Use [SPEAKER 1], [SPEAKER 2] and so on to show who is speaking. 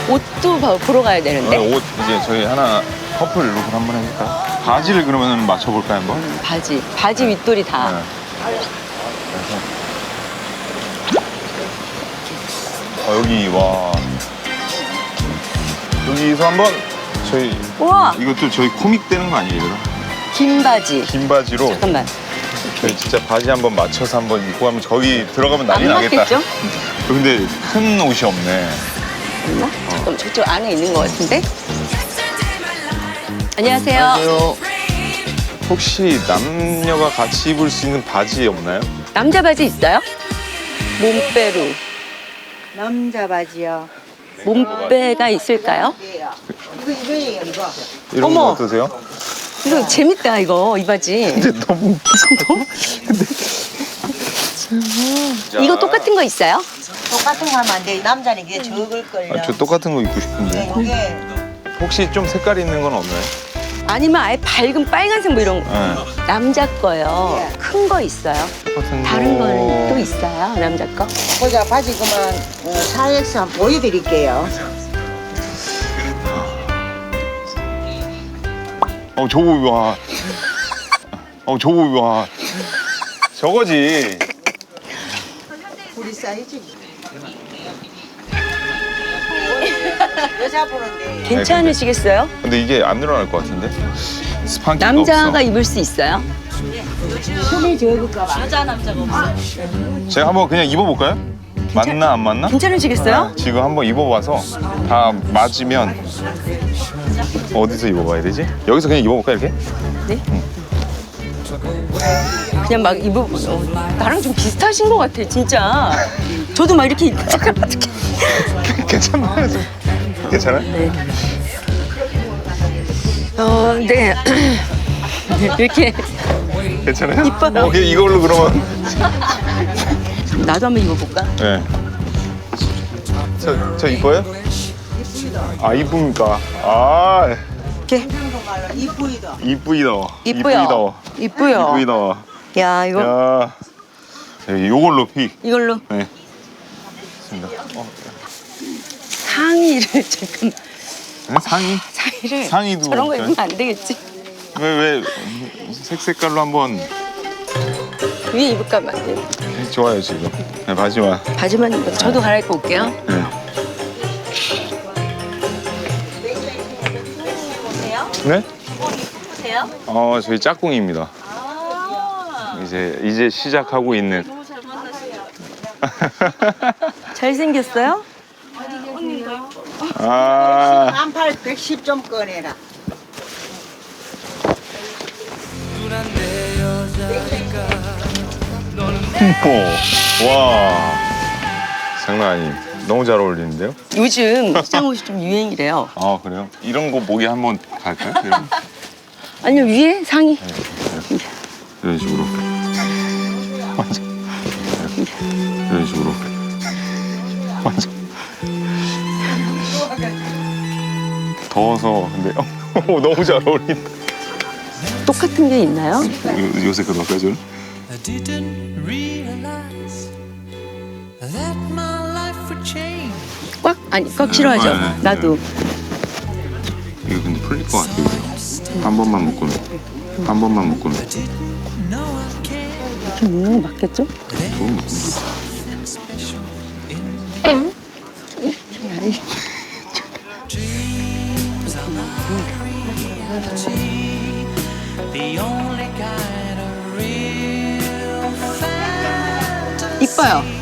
[SPEAKER 1] 옷도 보러 가야 되는데.
[SPEAKER 2] 옷 이제 저희 하나 커플 룩을 한번 해볼까요? 바지를 그러면 맞춰볼까요 한번?
[SPEAKER 1] 바지 윗돌이 다.
[SPEAKER 2] 네. 그래서 여기 와 여기서 한번 저희
[SPEAKER 1] 우와,
[SPEAKER 2] 이것도 저희 코믹 되는 거 아니에요? 이거?
[SPEAKER 1] 긴 바지.
[SPEAKER 2] 긴 바지로
[SPEAKER 1] 잠깐만.
[SPEAKER 2] 저희 진짜 바지 한번 맞춰서 한번 입고 가면 저기 들어가면 난리
[SPEAKER 1] 안
[SPEAKER 2] 나겠다.
[SPEAKER 1] 맞겠죠?
[SPEAKER 2] 근데 큰 옷이 없네.
[SPEAKER 1] 있나? 잠깐만, 저쪽 안에 있는 것 같은데? 안녕하세요.
[SPEAKER 2] 안녕하세요. 혹시 남녀가 같이 입을 수 있는 바지 없나요?
[SPEAKER 1] 남자 바지 있어요? 몸빼로.
[SPEAKER 3] 남자 바지요.
[SPEAKER 1] 몸빼가 있을까요?
[SPEAKER 3] 이거예요, 이거.
[SPEAKER 2] 이런
[SPEAKER 1] 어머.
[SPEAKER 2] 거 어떠세요?
[SPEAKER 1] 이거 재밌다, 이거, 이 바지.
[SPEAKER 2] 근데 너무 웃기죠?
[SPEAKER 1] 이거 똑같은 거 있어요?
[SPEAKER 3] 똑같은 거 하면 안 돼. 남자는 이게 적을걸요.
[SPEAKER 2] 저 똑같은 거 입고 싶은데.
[SPEAKER 3] 이게
[SPEAKER 2] 혹시 좀 색깔 있는 건 없나요?
[SPEAKER 1] 아니면 아예 밝은 빨간색 뭐 이런 거.
[SPEAKER 2] 네.
[SPEAKER 1] 남자 거요.
[SPEAKER 3] 예.
[SPEAKER 1] 큰 거 있어요?
[SPEAKER 2] 똑같은 거.
[SPEAKER 1] 다른 거는 또 있어요, 남자 거?
[SPEAKER 3] 보자, 바지 그만 4X 한번 보여드릴게요.
[SPEAKER 2] 저거 와. 저거 와. 저거지.
[SPEAKER 3] 우리 사이즈. 여자 보는데.
[SPEAKER 1] 괜찮으시겠어요?
[SPEAKER 2] 근데 이게 안 늘어날 것 같은데? 스판기가
[SPEAKER 1] 남자가
[SPEAKER 2] 없어.
[SPEAKER 1] 입을 수 있어요?
[SPEAKER 3] 손이 적을까 봐.
[SPEAKER 2] 제가 한번 그냥 입어볼까요? 맞나 안 맞나?
[SPEAKER 1] 괜찮으시겠어요?
[SPEAKER 2] 지금 한번 입어봐서 다 맞으면 어디서 입어봐야 되지? 여기서 그냥 입어볼까 이렇게?
[SPEAKER 1] 네? 그냥 막 나랑 좀 비슷하신 것 같아, 진짜. 저도 막 이렇게 잠깐만 어떻게.
[SPEAKER 2] 괜찮나요? 좀? 괜찮아요?
[SPEAKER 1] 네. 네. 이렇게
[SPEAKER 2] 괜찮아요?
[SPEAKER 1] 이뻐요.
[SPEAKER 2] 오케이 이걸로 그러면.
[SPEAKER 1] 나도 한번 입어볼까?
[SPEAKER 2] 네. 저 이뻐요? 아 이쁩니까? 아
[SPEAKER 1] 이렇게
[SPEAKER 3] 이쁘이다.
[SPEAKER 2] 이쁘이다.
[SPEAKER 1] 이쁘요. 이쁘요.
[SPEAKER 2] 이쁘이다.
[SPEAKER 1] 야, 이거
[SPEAKER 2] 야, 요걸로 픽.
[SPEAKER 1] 이걸로
[SPEAKER 2] 네. 좋습니다.
[SPEAKER 1] 상의를 잠깐
[SPEAKER 2] 상의?
[SPEAKER 1] 상의를
[SPEAKER 2] 상의도
[SPEAKER 1] 저런 거
[SPEAKER 2] 없어요?
[SPEAKER 1] 입으면 안 되겠지.
[SPEAKER 2] 왜 색깔로 한번
[SPEAKER 1] 위에 입을까 봐. 네.
[SPEAKER 2] 좋아요 지금. 네, 바지만.
[SPEAKER 1] 바지만 입어. 저도 갈아입고 올게요.
[SPEAKER 2] 네. 네?
[SPEAKER 1] 보세요.
[SPEAKER 2] 저희 짝꿍입니다. 이제 시작하고 있는.
[SPEAKER 1] 잘생겼어요?
[SPEAKER 2] 아,
[SPEAKER 3] 한팔 110 좀 꺼내라.
[SPEAKER 2] 와, 장난 아니. 너무 잘 어울리는데요?
[SPEAKER 1] 요즘 시장 옷이 좀 유행이래요.
[SPEAKER 2] 아 그래요? 이런 거 목에 한번 갈까요? 이런,
[SPEAKER 1] 아니요, 위에 상의.
[SPEAKER 2] 이런 식으로. 완전. 이런 식으로. 완전. 더워서 근데 너무 잘 어울린다.
[SPEAKER 1] 똑같은 게 있나요?
[SPEAKER 2] 요새 그거 할까요, 저는?
[SPEAKER 4] I didn't realize that my life would change.
[SPEAKER 1] 꽉 싫어하죠?
[SPEAKER 2] 네, 네,
[SPEAKER 1] 나도.
[SPEAKER 2] 이거 근데 풀릴 것 같아, 이거. 한 번만 묶으면. 한 번만 묶으면.
[SPEAKER 4] No, I can't.
[SPEAKER 1] 이렇게 묶는 거 맞겠죠?
[SPEAKER 2] 좋은 묶음이다.
[SPEAKER 4] Dreams are not reality. The only kind of real fantasy.
[SPEAKER 1] 이뻐요.